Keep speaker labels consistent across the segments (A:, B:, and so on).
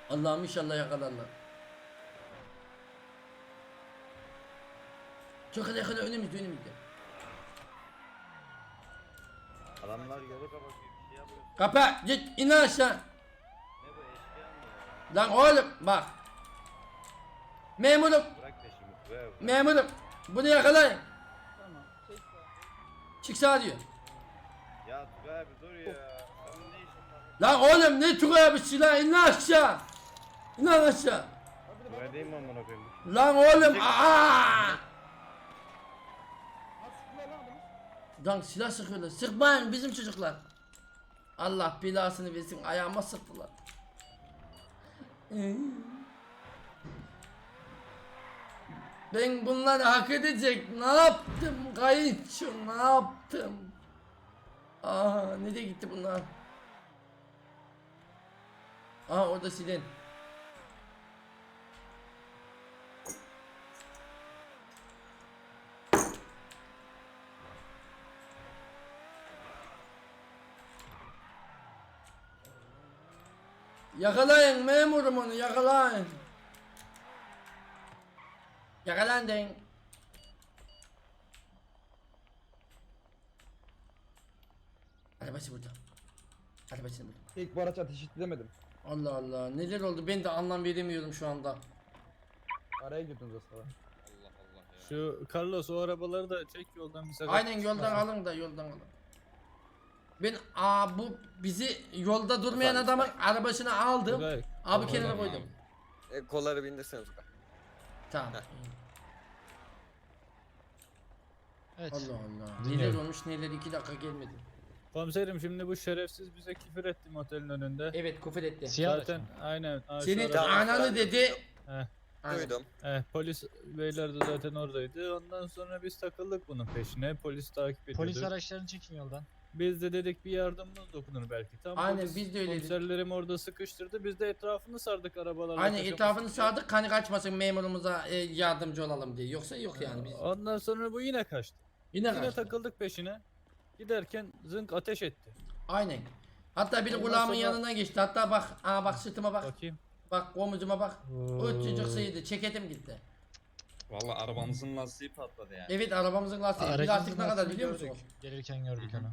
A: Allah'ım inşallah yakalarlar. Çok yakala önümüzde.
B: Adamlar yolu kapatıyor, bir şey yapıyor.
A: Kapa git in aşağı.
B: Ne bu, eşkıya mı ya?
A: Lan oğlum bak. Memurum.
B: Bırak peşimi Tugay abi.
A: Memurum. Bunu yakalayın.
C: Tamam. Çek
A: Çık sağa diyor.
B: Ya Tugay abi dur ya. Senin ne işin var?
A: Lan oğlum ne Tugay bir silah in aşağı. İn lan aşağı.
B: Tugay değil mi amına koyayım?
A: Lan oğlum aa. Lan silah sıkıyorlar. Sıkmayın bizim çocuklar. Allah belasını versin ayağıma sıktılar. Ben bunları hak edecek ne yaptım kayınço ne yaptım? Aa nereye gitti bunlar? Aa orada silin. Yakalayın memurum onu yakalayın. Yakalandın. Arabası burada. Arabası burada.
C: İlk bu araç ateş edemedim.
A: Allah Allah neler oldu ben de anlam veremiyorum şu anda.
C: Araya girdiniz aslında.
D: Şu Carlos o arabaları da çek yoldan bir sakat.
A: Aynen yoldan alın da yoldan alın. Ben bu bizi yolda durmayan adamın arabasını aldım.
D: Tugay,
A: Abi kenara koydum.
E: Kolları bindirsene Tugay.
A: Tamam.
F: Evet.
A: Allah Allah. Neler
D: Dinliyorum.
A: olmuş neler 2 dakika gelmedi.
D: Komiserim şimdi bu şerefsiz bize küfür etti motelin önünde.
A: Evet küfür etti.
F: Siyah araç
D: Zaten
F: mı?
D: aynen. şu
A: Senin
D: araba-
A: ananı dedi.
D: Heh,
A: Aynen.
E: Duydum.
D: polis beyler de zaten oradaydı. Ondan sonra biz takıldık bunun peşine. Polis takip ediyordu.
F: Polis araçlarını çekin yoldan.
D: Biz de dedik bir yardımımız dokunur belki. Tam
A: Aynen,
D: polis
A: biz de öyle dedik.
D: komiserlerim orada sıkıştırdı. Biz de etrafını sardık arabalarla.
A: Aynen
D: kaçamak
A: etrafını
D: için.
A: sardık kanı kaçmasın memurumuza yardımcı olalım diye. Yoksa yok yani biz.
D: Ondan sonra bu yine kaçtı.
A: Yine
D: Yine
A: kaçtı.
D: takıldık peşine. Giderken zınk ateş etti.
A: Aynen. Hatta biri
D: Ondan
A: kulağımın
D: sonra-
A: yanına geçti. Hatta bak, bak sırtıma bak.
D: Bakayım.
A: Bak omuzuma bak. O çocuk sıyırdı. Ceketim gitti.
G: Valla arabamızın lastiği patladı yani.
A: Evet arabamızın lastiği. Bir lastik ne kadar biliyor musun?
F: Gelirken gördük onu.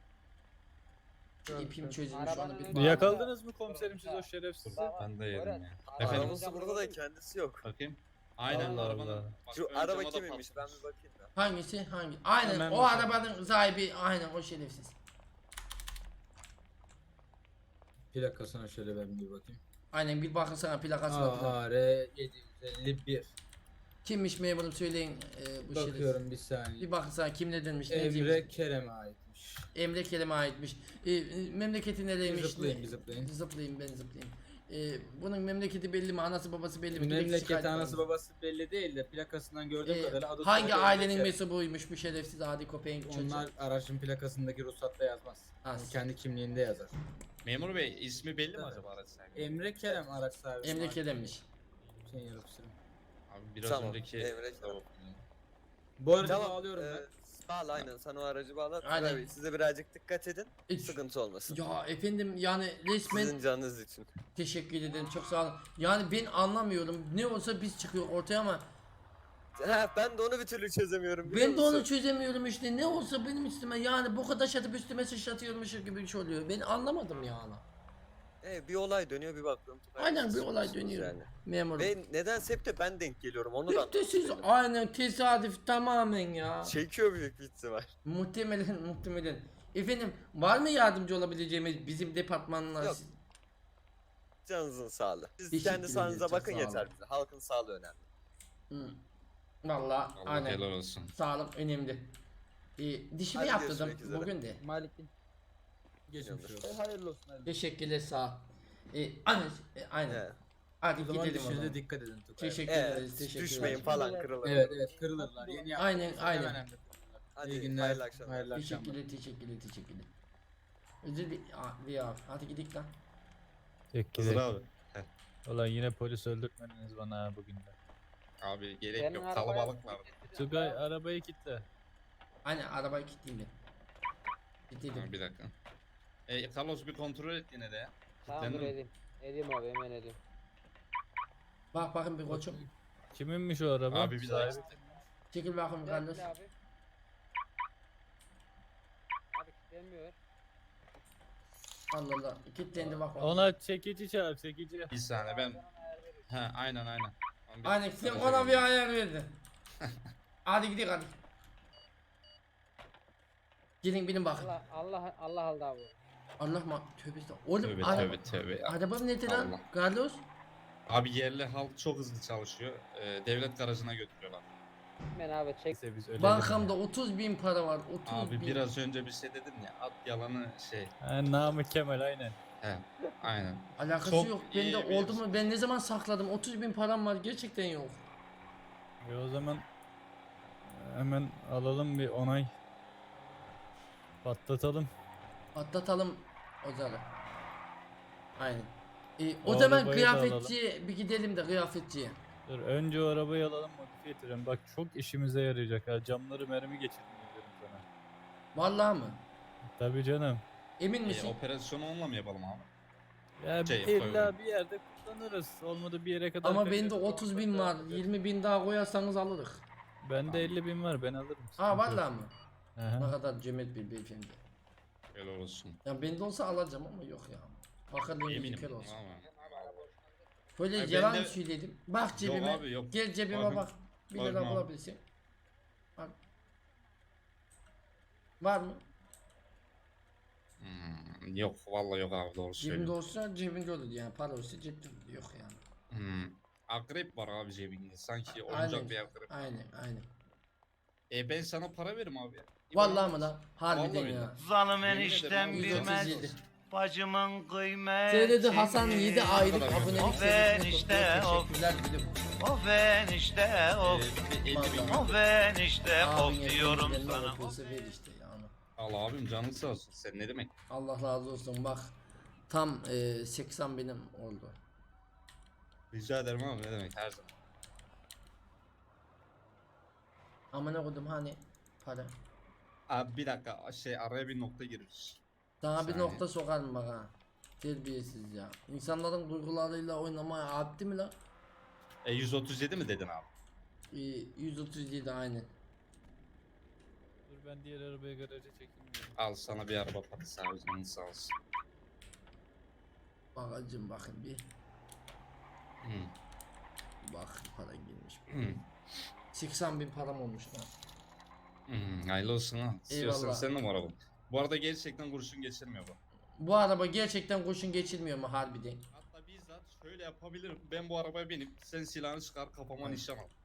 A: İpim çözülmüş onu bir
D: Yakaladınız mı komiserim siz o şerefsizi?
G: Ben de yedim ya. Efendim
E: Arabası burada da kendisi yok.
G: bakayım. Aynen
D: Allah
G: arabanın.
D: Allah.
G: Bak,
E: Şu
G: ön
E: araba
G: cama da
E: kiminmiş ben
G: patlamış.
E: bir bakayım da.
A: Hangisi? Hangi? Aynen
D: Hemen
A: o
D: bakalım.
A: arabanın sahibi aynen o şerefsiz.
H: Plakasına şöyle ben bir bakayım.
A: Aynen bir bakın sana plakası var. burada.
H: AR 751.
A: Kimmiş memurum söyleyin bu şerefsiz.
H: Bakıyorum bir saniye.
A: Bir bakın sana kim ne demiş ne
H: Emre
A: demiş.
H: Kerem'e aitmiş.
A: Emre Kerem'e aitmiş. Memleketi
H: Bir
A: nereymiş?
H: zıplayın bir zıplayın.
A: Zıplayayım ben zıplayayım. Bunun memleketi belli mi? Anası babası belli mi? Direkt
H: Memleketi
A: şikayet
H: anası
A: var.
H: babası belli değil de plakasından gördüğüm kadarıyla adı
A: Hangi
H: soyadı
A: ailenin
H: Emre Kerem.
A: mensubuymuş bu şerefsiz adi köpeğin çocuğu?
H: Onlar aracın plakasındaki ruhsatta yazmaz. Yani
A: Az.
H: kendi kimliğinde yazar.
G: Memur bey ismi belli mi acaba araç sahibi?
H: Emre Kerem araç sahibi.
A: Emre Kerem'miş.
H: Şey yarıpsırım.
G: Abi biraz
E: Tamam,
G: önceki...
E: Emre Kerem.
H: Bu arada
E: Tamam.
H: bağlıyorum ben.
E: Bağla aynen sen o aracı bağla.
A: Aynen.
E: Tugay Bey, siz de birazcık dikkat edin.
A: Hiç-
E: Sıkıntı olmasın.
A: Ya efendim yani resmen
E: Sizin canınız için.
A: teşekkür ederim çok sağ olun. Yani ben anlamıyorum ne olsa biz çıkıyor ortaya ama
E: Ben de onu bir türlü çözemiyorum. biliyor
A: ben de onu
E: musun?
A: çözemiyorum işte ne olsa benim üstüme yani bu kadar şatıp üstüme sıçratıyormuş gibi bir şey oluyor. Ben anlamadım yani.
E: Bir olay dönüyor bir bakıyorum. Tugay Bey,
A: Aynen bir
E: siz
A: olay
E: suçlusunuz
A: dönüyor.
E: yani.
A: Memurum.
E: Ve nedense hep de ben denk geliyorum onu da
A: Hep de siz
E: anlamadım.
A: aynen tesadüf tamamen ya.
E: Çekiyor büyük bir ihtimal.
A: Muhtemelen. Efendim var mı yardımcı olabileceğimiz bizim departmanla?
E: Yok. Canınızın sağlığı. Siz
A: Teşekkür
E: kendi sağlığınıza
A: ederiz,
E: bakın
A: çok sağ
E: yeter
A: olun.
E: bize. Halkın sağlığı önemli.
A: Hı. Vallahi
G: Allah
A: aynen.
G: helal olsun.
A: Sağlık önemli. Dişimi
E: Hadi
A: yaptırdım
E: görüşmek üzere.
A: bugün de.
C: Malik'in.
H: Geçmiş olsun.
C: Hayırlı olsun. Hayırlı.
A: Teşekkürler sağ ol. Aynen.
E: Evet.
A: Hadi
H: O zaman
A: gidelim o zaman.
H: düşürde dikkat edin Tugay.
A: Teşekkür
E: Evet,
A: ederiz. Teşekkür
E: düşmeyin
A: ederiz.
E: falan kırılır.
H: Evet evet kırılırlar. Yeni
A: Aynen,
H: yaptığınız
A: aynen.
H: hemen hemen.
E: Hadi
H: İyi günler.
E: hayırlı akşamlar.
H: Hayırlı akşamlar.
A: Teşekkürler. Özür dilerim. Hadi gidelim lan.
G: Hızır abi.
D: Ulan yine polis öldürtmediniz bana ha bugün de.
G: Abi gerek yok kalabalık vardı.
D: Tugay arabayı kilitle.
A: Aynen arabayı kilitleyeyim ben.
G: Ha,
A: Kilitledim.
G: bir dakika. Carlos bir kontrol et yine de ya.
I: Tamam dur
G: Kilitlendi mi?
I: edeyim. Edeyim abi hemen edeyim.
A: Bak bakın bir koçum.
D: Kiminmiş o araba?
G: Abi bir daha
D: Sahibi.
A: Çekil bakın Carlos.
I: Abi. Abi kilitlenmiyor.
A: Allah Allah. Kilitlendi bak bak.
D: Ona çekici çağır çekici.
G: bir saniye ben. He aynen aynen.
A: Aynen sen ona bir ayar verdin. Hadi gidelim hadi. Gelin benim bakın.
I: Allah aldı abi.
A: Allah mı? Tövbe estağfurullah. Oğlum
G: Tövbe
A: araba,
G: tövbe tövbe.
A: araba nedir lan?
G: Allah.
A: Carlos?
G: Abi yerli halk çok hızlı çalışıyor. Devlet garajına götürüyorlar.
I: Ben abi çek.
D: Neyse biz ölelim
A: Bankamda
D: ya.
A: 30.000 para var. 30
G: Abi
A: bin.
G: biraz önce bir şey dedin ya at yalanı şey.
D: Ha, Namık Kemal aynen.
G: He aynen.
A: Alakası
G: Çok
A: yok.
G: iyi
A: Bende
G: bir-
A: oldu mu? Ben ne zaman sakladım? 30.000 param var. Gerçekten yok.
D: O zaman hemen alalım bir onay. Patlatalım.
A: Atlatalım Ozan'ı. Aynen. O
D: O
A: zaman
D: arabayı da
A: kıyafetçiye bir gidelim de kıyafetçiye.
D: Dur önce o arabayı alalım modifiye ettirelim. Bak çok işimize yarayacak ha. Camları mermi geçirdim diyorum sana.
A: Vallahi mı?
D: Tabii canım.
A: Emin misin?
G: Operasyonu onunla mı yapalım abi?
D: Ya
G: Şey,
D: illa
G: koyalım.
D: bir yerde kullanırız. Olmadı bir yere kadar.
A: Ama
D: kaçarız,
A: bende 30.000
D: olmazsa
A: var.
D: alırız.
A: 20.000 daha koyarsanız alırız.
D: Bende 50.000 var ben alırım.
A: Ha
D: sıkıntı yok.
A: vallahi mı?
D: Aha.
A: Ne kadar cömert bir beyefendi.
G: Helal olsun.
A: Ya bende olsa alacağım ama yok ya. Bakalım
G: Eminim
A: bir olsun.
G: ama.
A: Böyle
G: Ya
A: yalan
G: bende-
A: söyledim. Bak
G: Yok
A: cebime.
G: abi yok.
A: Gel cebime
G: Bakın-
A: bak. 1
G: bakın
A: lira
G: abi.
A: bulabilirsin. Bak. Var mı?
G: Yok vallahi yok abi doğru
A: Cebinde
G: söylüyorsun.
A: olsa cebinde olur yani. Para olsa cepte olur. Yok yani.
G: Akrep var abi cebinde sanki
A: Aynen.
G: oyuncak bir akrep.
A: Aynen.
G: Ben sana para veririm abi.
A: Vallahi mı lan? Harbiden
G: Vallahi
A: ya.
G: billahi.
J: Zalım
G: Yemin
J: eniştem
G: ederim abi,
J: bilmez
A: 137.
J: bacımın kıymeti.
A: Seyredi Hasan 7 aylık
G: kadar
A: abonelik
J: Of
A: seviyesine
J: enişte,
A: kutluyor.
J: of.
A: Teşekkürler gülüm.
J: Of enişte of.
G: 50.000
A: Vallahi.
J: Of enişte of
A: Abin
J: diyorum
A: elinden
J: sana.
A: öpülse ver işte yani.
G: Allah abim canın sağ olsun. Sen ne demek?
A: Allah razı olsun bak. Tam 80 benim oldu.
G: Rica ederim abi ne demek her zaman.
A: Amına koydum hani para.
G: Abi bir dakika araya bir nokta giriyoruz.
A: Sana bir
G: Saniye.
A: nokta sokarım bak ha. Terbiyesiz ya. İnsanların duygularıyla oynamaya addi mi lan?
G: 137 mi dedin abi?
A: 137 aynen.
D: Dur ben diğer arabayı garaja çekeyim.
G: Al sana bir araba parası abi canın sağ olsun.
A: Bakacım bakın bir.
G: Hı.
A: Bak para girmiş.
G: Hı.
A: 80.000 param olmuş lan.
G: Hayırlı olsun ha. İstiyorsan
A: Eyvallah.
G: sen numara bu. Bu arada gerçekten kurşun geçirmiyor bu.
A: Bu araba gerçekten kurşun geçirmiyor mu harbiden?
G: Hatta bizzat şöyle yapabilirim. Ben bu arabaya binip sen silahını çıkar kafama nişan al.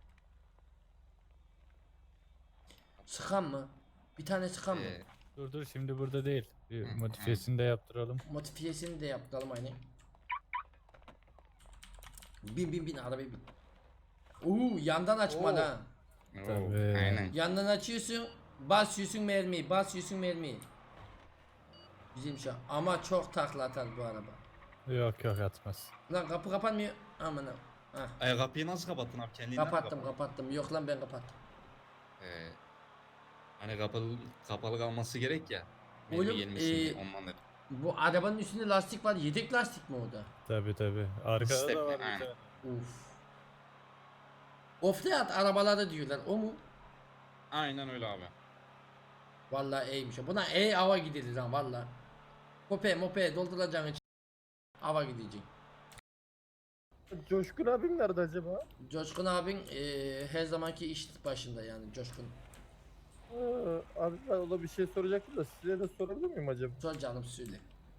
A: Sıkan mı? Bir tane sıkan mı?
D: Dur şimdi burada değil. Bir
G: Hı,
D: modifiyesini de yaptıralım.
A: Modifiyesini de yaptıralım aynen. Bin arabaya bin. Yandan açma
I: Oo.
A: lan.
G: Oo,
D: Tabii.
G: Aynen.
A: Yandan açıyorsun. Basıyorsun mermiyi. Güzelmiş ha. Ama çok takla atar bu araba.
D: Yok atmaz.
A: Lan kapı kapanmıyor. Aman ha. Hah.
G: Kapıyı nasıl kapattın abi? Kendinden mi kapattın?
A: Kapattım. Yok lan ben kapattım.
G: Hani kapalı kalması gerek ya.
A: Oğlum,
G: Benim gelmesin diye, ondan dedim.
A: Bu arabanın üstünde lastik var. Yedek lastik mi o da?
D: Tabii. Arkada
G: Step,
D: da var bir
G: aynen.
D: tane.
A: Uf. Offroad arabaları diyorlar. O mu?
G: Aynen öyle abi.
A: Vallahi iyiymiş. Buna hava gidilir lan vallahi. Mope dolduracaksın için. Hava gidecek.
C: Coşkun abim nerede acaba?
A: Coşkun abin her zamanki iş başında yani Coşkun.
C: Abi ben ona bir şey soracaktım da size de sorabilir miyim acaba?
A: Sor canım söyle.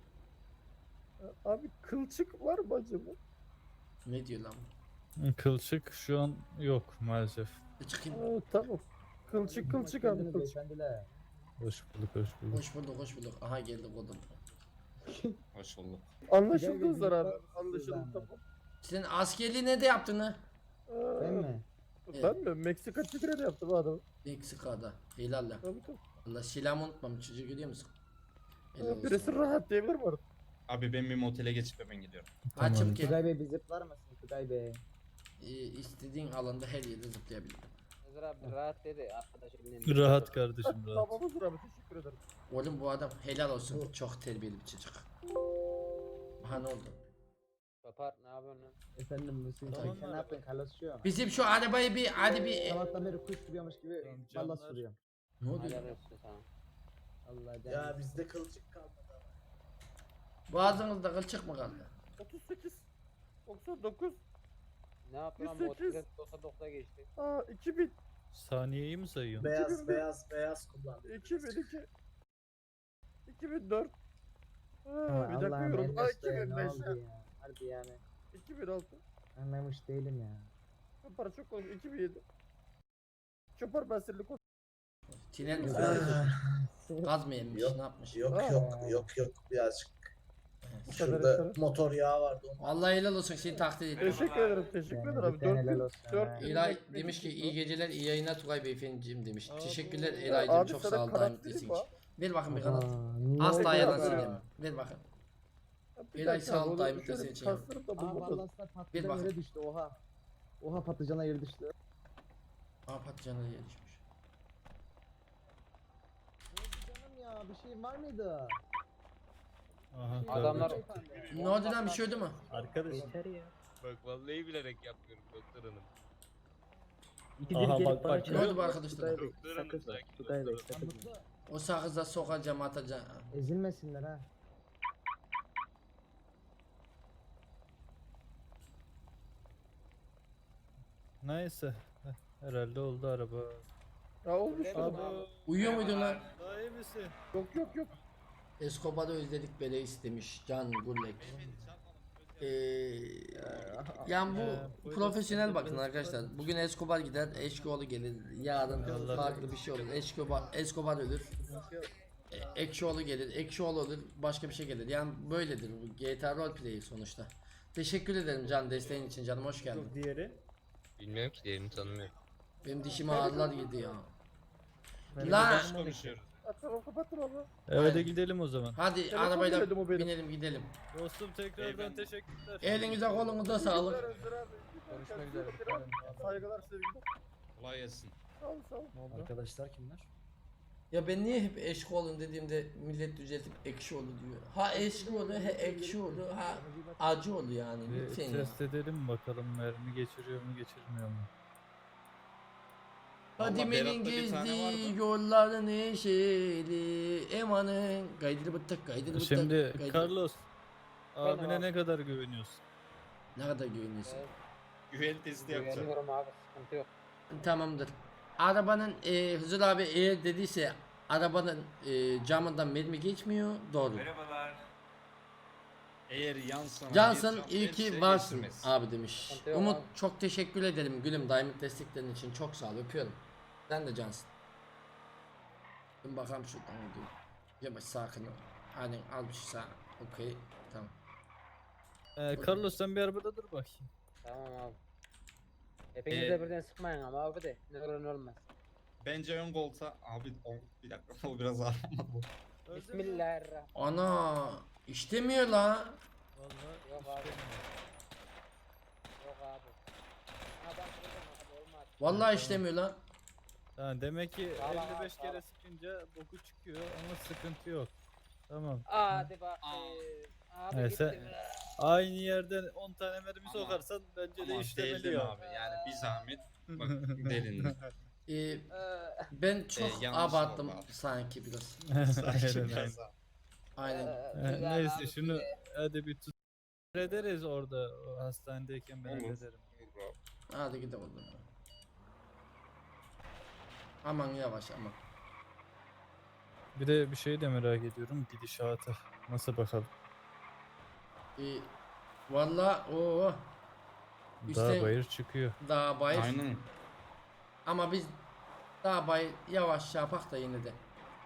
C: Abi kılçık var mı acaba?
A: Ne diyor lan?
D: Kılçık şu an yok maalesef.
A: Çıkayım.
C: Tamam. Kılçık abi kılçık.
D: Hoş bulduk.
A: Hoş bulduk. Aha geldi kodum.
G: Hoş bulduk.
C: Anlaşıldınızlar abi. Anlaşıldı tamam.
A: Sen askerliği ne de yaptın ha?
C: Ben mi? Ben mi? Meksika Tigre'de yaptım adam.
A: Meksika'da. Helal lan.
C: Tabii.
A: Allah silahımı unutmam çocuğu görüyor musun? Helal olsun.
C: Birisi rahat diyebilir mi artık?
G: Abi ben bir motele geçip hemen gidiyorum.
A: Açıp gel.
C: Tugay Bey bir zıplar mısın Tugay Bey?
A: İstediğin alanda her yerde zıplayabilirim.
I: Özer abi rahat dedi arkadaşım.
D: Rahat kardeşim rahat.
C: Tamamızdır abi teşekkür ederim.
A: Oğlum bu adam helal olsun. Çok terbiyeli bir çocuk. Aha ne oldu?
I: Papar ne yapıyorsun lan?
C: Efendim Hüseyin
D: Tamam
C: sen
D: mı
C: ne yaptın Carlos'cuğum?
A: Bizim şu arabayı bir hadi bir
C: Sabahtan beri kuş sürüyormuş gibi
D: Tamam,
C: valla
D: canlar.
C: sürüyorum.
A: ne oluyor?
I: Helal olsun sana.
C: Allah canım.
H: bizde kılçık kalmadı.
A: Boğazınızda kılçık mı kaldı?
C: 38 99
I: Ne yaptın lan bu
C: 108.
I: 99'a geçti.
C: 2000
D: Saniyeyi mi sayıyorsun?
H: Beyaz kullandı.
C: 2002 2004 bir
K: Allah'ım
C: dakika yorum.
K: Enes Bey,
C: 2005
K: ne oldu ya? Harbi yani
C: 2006
K: anlamış değilim ya.
C: Çopar çok oldu 2007 Çopar basirli koş.
A: Tiner mi? Gaz mı yemiş? Ne yapmış?
H: Yok birazcık.
C: Şurada
H: motor yağı vardı.
A: Vallahi helal olsun seni takdir ediyorum.
C: Teşekkür ederim teşekkür ederim abi.
K: cidden helal olsun ha.
C: 4
A: İlay demiş ki iyi geceler iyi yayınlar Tugay Beyefendiciğim demiş.
D: Aa,
A: Teşekkürler
D: bu-
A: Elay'cım
C: Abi
A: çok
C: sana
A: sağ ol
C: kanat
A: daim
C: vereyim
A: desin
C: mi?
A: için. Ver bakın bir kanat.
K: niye
A: Asla
K: öyle
A: yalan
C: ya?
A: söyleme. Ver bakın. Eray sağ ol daim desin için.
C: Kaslarım da
K: Aa
C: bulmadım.
K: vallahi sana
A: Bir
K: patlıcan
A: bakın.
K: yere düştü oha. Oha patlıcana yere düştü.
A: Aa patlıcanı diye düşmüş.
K: Ne oldu canım ya bir şey var mıydı?
D: Aha,
I: Adamlar-
D: tabii.
A: Ne oldu lan bir şey oldu mu?
D: Arkadaş.
K: Yeter ya.
E: Bak vallahi bilerek yapmıyorum doktor hanım.
K: İkidir
D: Aha,
K: gelip
D: bak,
K: bana
D: bak.
K: çarp-
A: Ne oldu bu arkadaşlar?
K: Tugay Bey,
E: Doktor
K: sakın,
E: hanım, sakin
K: Tugay Bey,
E: doktor
K: sakın.
A: O sakıza sokacağım atacağım.
K: Ezilmesinler ha.
D: Neyse. Herhalde oldu araba.
C: Ya olmuş
I: Abi.
C: mu?
A: Uyuyor muydun lan?
D: Daha iyi misin?
C: Yok.
A: Escobar'ı özledik beleğiz demiş Can Gullek. Yani bu
D: buyurun.
A: profesyonel bakın arkadaşlar. Bugün Escobar gider, Eşkioğlu gelir. Yarın
D: Allah
A: farklı bir şey olur. Escobar ölür. Ekşioğlu gelir, Ekşioğlu olur, başka bir şey gelir. Yani böyledir bu GTA roleplay sonuçta. Teşekkür ederim Can desteğin için canım hoş geldin.
D: Diğeri?
E: Bilmiyorum ki diğerini tanımıyorum.
A: Benim dişime ağrılar girdi ya.
D: Ben
A: La
D: de konuşuyoruz.
C: Tamam kapattım abi.
D: Evet gidelim o zaman.
A: hadi
C: Telefon
A: arabayla
C: geldi bu benim.
A: binelim gidelim.
D: Dostum tekrardan
G: Beyefendi.
D: teşekkürler.
A: Elinize kolunuza sağlık.
C: Görüşmek üzere. Saygılar sevgiler.
G: Kolay gelsin.
C: Sağ ol sağ ol.
K: Arkadaşlar kimler?
A: Ya ben niye hep Eşkioğlu dediğimde millet düzeltip Ekşioğlu diyor. Ha Eşkioğlu, ha Ekşioğlu, ha Acıoğlu yani
D: Bir
A: lütfen ya.
D: test edelim bakalım mermi geçiriyor mu geçirmiyor mu?
A: Fadime'nin
G: Berat'ta bir tane vardı.
A: gezdiği yolların neşeli emanın gaydırı bıttık gaydırı bıttık.
D: Şimdi
A: gaydırı-
D: Carlos
I: Efendim
D: abine
I: abi.
D: ne kadar güveniyorsun?
A: Ne kadar güveniyorsun?
I: Evet,
G: Güven testi yapacağım.
I: güveniyorum abi sıkıntı yok.
A: Tamamdır. Arabanın Hızır abi eğer dediyse arabanın camından mermi geçmiyor. Doğru.
J: Merhabalar.
G: Eğer yansın.
A: Cansın iyi ki varsın abi demiş.
I: Sıkıntı yok
A: Umut
I: abi.
A: çok teşekkür ederim gülüm Diamond desteklerin için çok sağ ol öpüyorum. Sen de cansın. Bir bakalım şuradan dur. Yavaş sakin ol. Hani al bir şey sağ. Okey tamam.
D: Carlos sen bir arabada dur bakayım.
I: Tamam abi. Hepiniz de birden sıkmayın ama abi de ne olur ne olmaz.
G: Bence ön koltuğa. Abi bir dakika o biraz ağır.
I: Bismillahirrahmanirrahim.
A: Ana işlemiyor la.
D: Vallahi
I: Yok abi.
D: işte.
I: Yok abi. Adam kıracağım abi olmaz.
A: Vallahi işlemiyor la.
D: Ha, demek ki
I: Sağlam
D: 55
I: abi,
D: kere
I: sağlam.
D: sıkınca boku çıkıyor ama sıkıntı yok. Tamam.
I: Hadi bak. Abi
D: Neyse.
I: gitti.
D: Aynı yerden 10 tane mermi
G: Ama-
D: sokarsan bence de
G: Ama
D: işlemeli
G: değildin
D: ya.
G: abi yani bir zahmet. Bak delindin.
A: Ben çok
G: yanlış
A: abarttım
G: oldu abi.
A: sanki biraz.
G: Sakin
D: Aynen.
G: biraz daha.
A: Aynen.
D: Neyse şunu hadi bir tut. Ederiz orada o hastanedeyken ben
G: Olur.
D: hallederim.
G: Olur abi.
A: Hadi gidelim o zaman. Aman yavaş aman.
D: Bir de bir şey de merak ediyorum gidişatı. Nasıl bakalım?
A: Valla o
D: Dağ bayır çıkıyor.
A: dağ bayır
G: Aynen.
A: ama biz dağ bayır yavaş yapak da yine de.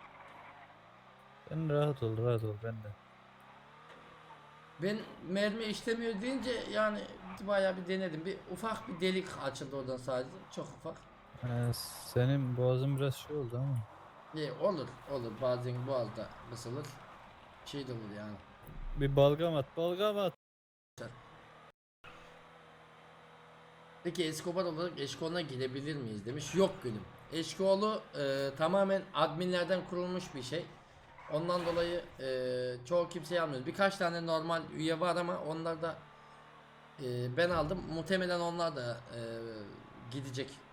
D: Sen rahat ol ben de.
A: Ben mermi işlemiyor deyince yani bayağı bir denedim. Bir ufak bir delik açıldı oradan sadece. Çok ufak.
D: Senin boğazın biraz şey oldu ama.
A: Olur bazen boğazda kısılır. Şey de olur yani.
D: Bir balgam at.
A: Peki Escobar olarak Eşkoğlu'na gidebilir miyiz demiş. Yok gülüm. Eşkoğlu tamamen adminlerden kurulmuş bir şey. Ondan dolayı çoğu kimseyi almıyoruz. Birkaç tane normal üye var ama onlar da Ben aldım. Muhtemelen onlar da gidecek.